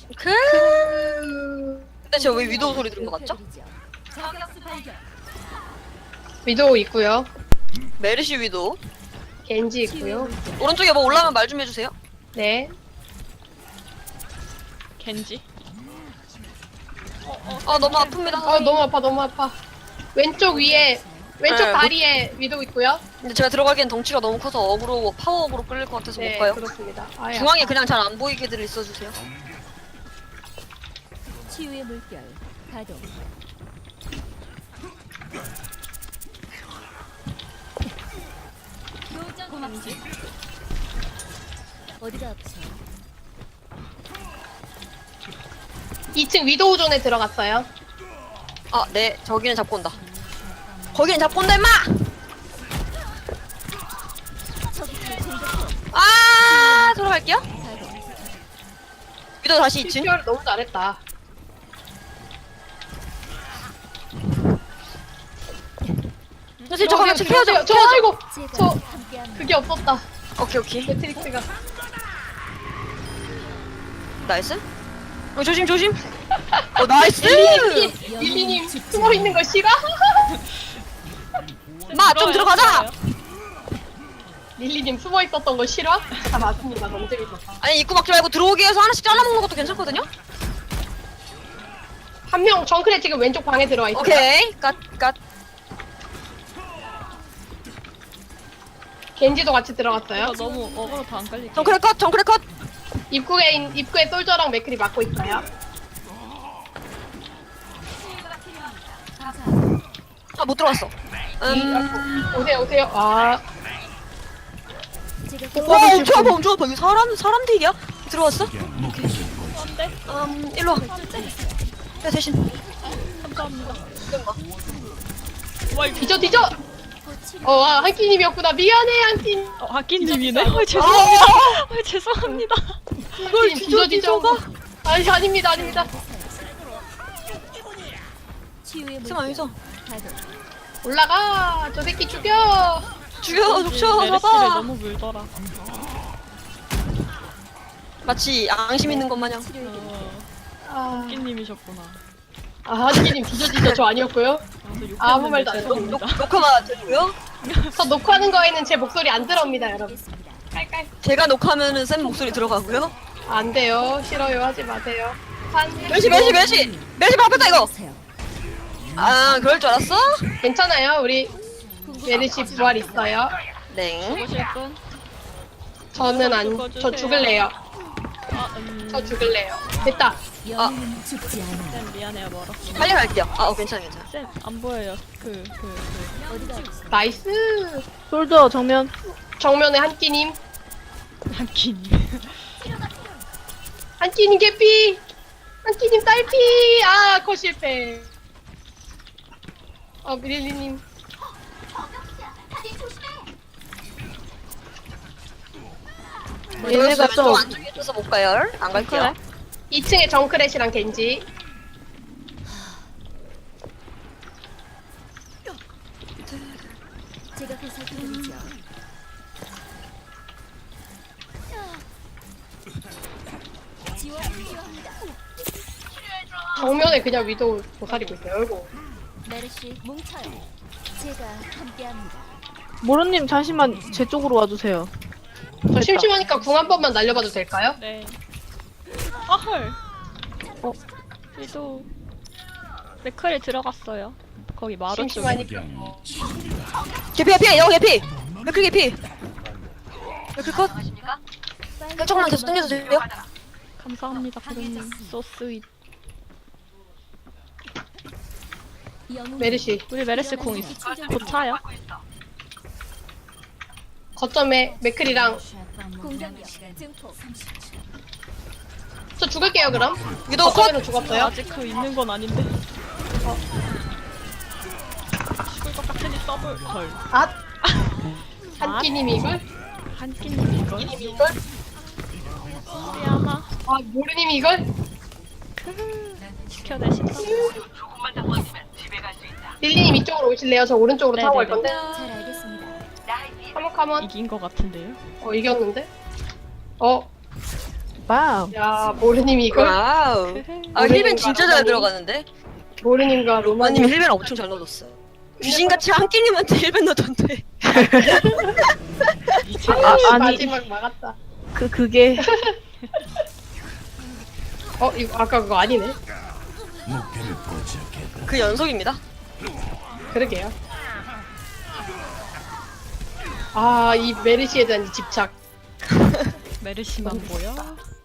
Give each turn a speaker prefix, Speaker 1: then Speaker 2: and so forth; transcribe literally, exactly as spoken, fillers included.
Speaker 1: 그. 근데 제가 왜 위도우 소리 들은 거 같죠?
Speaker 2: 위도우 있고요.
Speaker 1: 메르시 위도우.
Speaker 2: 겐지 있고요.
Speaker 1: 오른쪽에 뭐 올라오면 말 좀 해주세요.
Speaker 2: 네.
Speaker 3: 겐지.
Speaker 1: 아 너무 아픕니다.
Speaker 2: 아 너무 아파 너무 아파. 왼쪽 위에 왼쪽
Speaker 1: 네,
Speaker 2: 다리에 위도우 있고요.
Speaker 1: 근데 제가 들어가기엔 덩치가 너무 커서 어그로 파워 어그로 끌릴 것 같아서
Speaker 2: 네
Speaker 1: 못 가요.
Speaker 2: 그렇습니다. 아야.
Speaker 1: 중앙에 그냥 잘 안 보이게들 있어주세요.
Speaker 4: 치유의 물결 가동. 고맙지. 어디가 아프죠?
Speaker 2: 이 층 위도우 존에 들어갔어요.
Speaker 1: 아 네 저기는 잡고 온다. 거기는 잡고 온다 임마! 아 들어갈게요. 위도우 다시 이 층.
Speaker 2: 를 너무 잘했다.
Speaker 1: 선생님 저거 같이
Speaker 2: 저,
Speaker 1: 켜야죠.
Speaker 2: 저 아이고
Speaker 4: 제가
Speaker 2: 저
Speaker 4: 함께합니다.
Speaker 2: 그게 없었다.
Speaker 1: 오케이 오케이.
Speaker 2: 매트릭스가.
Speaker 1: 나이스. 어 조심 조심. 어 나이스.
Speaker 2: 릴리님 릴리님 숨어 있는 거 싫어?
Speaker 1: 마 좀 들어가자.
Speaker 2: 릴리님 숨어 있었던 거 싫어? 아 맞습니다. 너무 재밌었다.
Speaker 1: 아니 입구 막지 말고 들어오게 해서 하나씩 잘라먹는 것도 괜찮거든요.
Speaker 2: 한 명 정크레 지금 왼쪽 방에 들어와 있어요.
Speaker 1: 오케이 갓 갓.
Speaker 2: 겐지도 같이 들어갔어요.
Speaker 3: 이거 너무 어그로 다 안 깔릴게.
Speaker 1: 정크레 컷 정크레 컷.
Speaker 2: 입구에 인- 입구에 솔저랑 맥클이 막고 있어요.
Speaker 1: 아 못 들어왔어. 음.
Speaker 2: 오세요 오세요. 아
Speaker 4: 제가
Speaker 1: 와 엄청 아파 엄청 아파. 이거 사람 사람 딜이야? 들어왔어?
Speaker 3: 안돼.
Speaker 1: 음 일로 와. 내 대신.
Speaker 3: 감사합니다.
Speaker 1: 잠깐만.
Speaker 3: 와 이거
Speaker 2: 뒤져 뒤져. 어 아, 한끼님이었구나. 미안해 한끼.
Speaker 3: 어, 하끼님이네. 아 죄송합니다. 아 죄송합니다.
Speaker 2: 이걸 뒤져 뒤져가. 아니 아닙니다 아닙니다.
Speaker 4: 치유의
Speaker 1: 승아
Speaker 4: 물결
Speaker 1: 여기서
Speaker 4: 가동.
Speaker 2: 올라가. 저 새끼 죽여.
Speaker 1: 죽여 죽여
Speaker 3: 메르시를
Speaker 1: 잡아.
Speaker 3: 너무 물더라.
Speaker 1: 마치 앙심 있는 것 마냥.
Speaker 4: 치료의 길.
Speaker 3: 어,
Speaker 2: 아,
Speaker 3: 하끼님이셨구나.
Speaker 2: 아 한끼님 뒤져 뒤져. 저 아니었고요. 아무 말도 안
Speaker 1: 녹,
Speaker 3: 했습니다.
Speaker 1: 녹화가 되고요.
Speaker 2: 저 녹화하는 거에는 제 목소리 안 들어옵니다 여러분.
Speaker 4: 알겠습니다.
Speaker 2: 깔깔.
Speaker 1: 제가 녹화하면은 쌤 목소리 들어가고요.
Speaker 2: 안 돼요. 싫어요. 하지 마세요. 한
Speaker 1: 멸시 멸시 멸시 멸시 바꿨다 이거.
Speaker 4: 하세요.
Speaker 1: 아 그럴 줄 알았어?
Speaker 2: 괜찮아요. 우리 메르시 부활 있어요.
Speaker 1: 네.
Speaker 3: 보실 분?
Speaker 2: 저는 안. 저 죽을래요.
Speaker 3: 아 음.
Speaker 2: 저 죽을래요. 됐다.
Speaker 4: 영웅은 죽지 않아.
Speaker 3: 쌤 미안해요 멀었어.
Speaker 1: 빨리 갈게요. 아 어, 괜찮아 괜찮아.
Speaker 3: 쌤 안 보여요. 그 그 그.
Speaker 4: 어디가 아프죠?
Speaker 2: 나이스.
Speaker 3: 솔더 정면.
Speaker 2: 정면에 한끼님.
Speaker 3: 하끼님.
Speaker 2: 한끼님 개피. 한끼님 딸피. 아, 거 실패. 어, 미릴리님.
Speaker 1: 얘네가 좀 안쪽에 있어서 못 가요. 안 갈게요.
Speaker 2: 이 층에 정크렛이랑 겐지.
Speaker 4: 제가 그 살펴드리죠. 지원 필요합니다.
Speaker 2: 정면에 그냥 위도 도사리고 있어요. 아이고.
Speaker 4: 메르시 뭉쳐요. 제가 함께합니다.
Speaker 5: 모로님 잠시만 제 쪽으로 와주세요.
Speaker 2: 저 심심하니까 궁 한 번만 날려봐도 될까요?
Speaker 3: 네. 아 헐.
Speaker 5: 어?
Speaker 3: 위도 맥컬이 들어갔어요. 거기 마루 쪽에.
Speaker 2: 심심하니까.
Speaker 1: 개피 개피 여 개피. 맥클 개피. 맥클 컷. 살짝만 계속 당겨주세요.
Speaker 3: 감사합니다, 고객님. So sweet.
Speaker 4: 영웅
Speaker 2: 메르시.
Speaker 3: 우리 메르시 공 있어. 곧 차요.
Speaker 2: 거점에 맥클이랑.
Speaker 4: 공격력 증폭.
Speaker 2: 저 죽을게요, 그럼.
Speaker 1: 위도우 컷.
Speaker 2: 거점에는 죽었어요.
Speaker 3: 아직 그 있는 건 아닌데. 어. 죽을 것 같으니 더블. 헐.
Speaker 2: 아. 한끼님이 이걸?
Speaker 3: 한끼님 이걸.
Speaker 2: 한끼님이 이걸?
Speaker 3: 우리 하나
Speaker 2: 아, 모르님이 이걸?
Speaker 3: 지켜내신다.
Speaker 2: 릴리님 이쪽으로 오실래요? 저 오른쪽으로 타고 갈 건데.
Speaker 4: 잘 알겠습니다.
Speaker 2: 카몬 카몬.
Speaker 3: 이긴 것 같은데요?
Speaker 2: 어, 이겼는데? 어,
Speaker 5: 빵.
Speaker 2: 야 모르님이 이걸
Speaker 1: 와우. 아
Speaker 2: 모르는
Speaker 1: 힐벤 진짜 잘
Speaker 2: 거라니.
Speaker 1: 들어가는데.
Speaker 2: 모르님과
Speaker 1: 로마님
Speaker 2: 로마님
Speaker 1: 힐벤 엄청 잘 넣어줬어요. 귀신같이 한 끼님한테 힐벤 넣던데.
Speaker 5: 아, 아니
Speaker 2: 마지막 막았다.
Speaker 5: 그 그게
Speaker 2: 어 이거 아까 그거 아니네.
Speaker 1: 그 연속입니다.
Speaker 2: 그러게요. 아 이 메르시에 대한 이 집착.
Speaker 3: 메르시만 보여?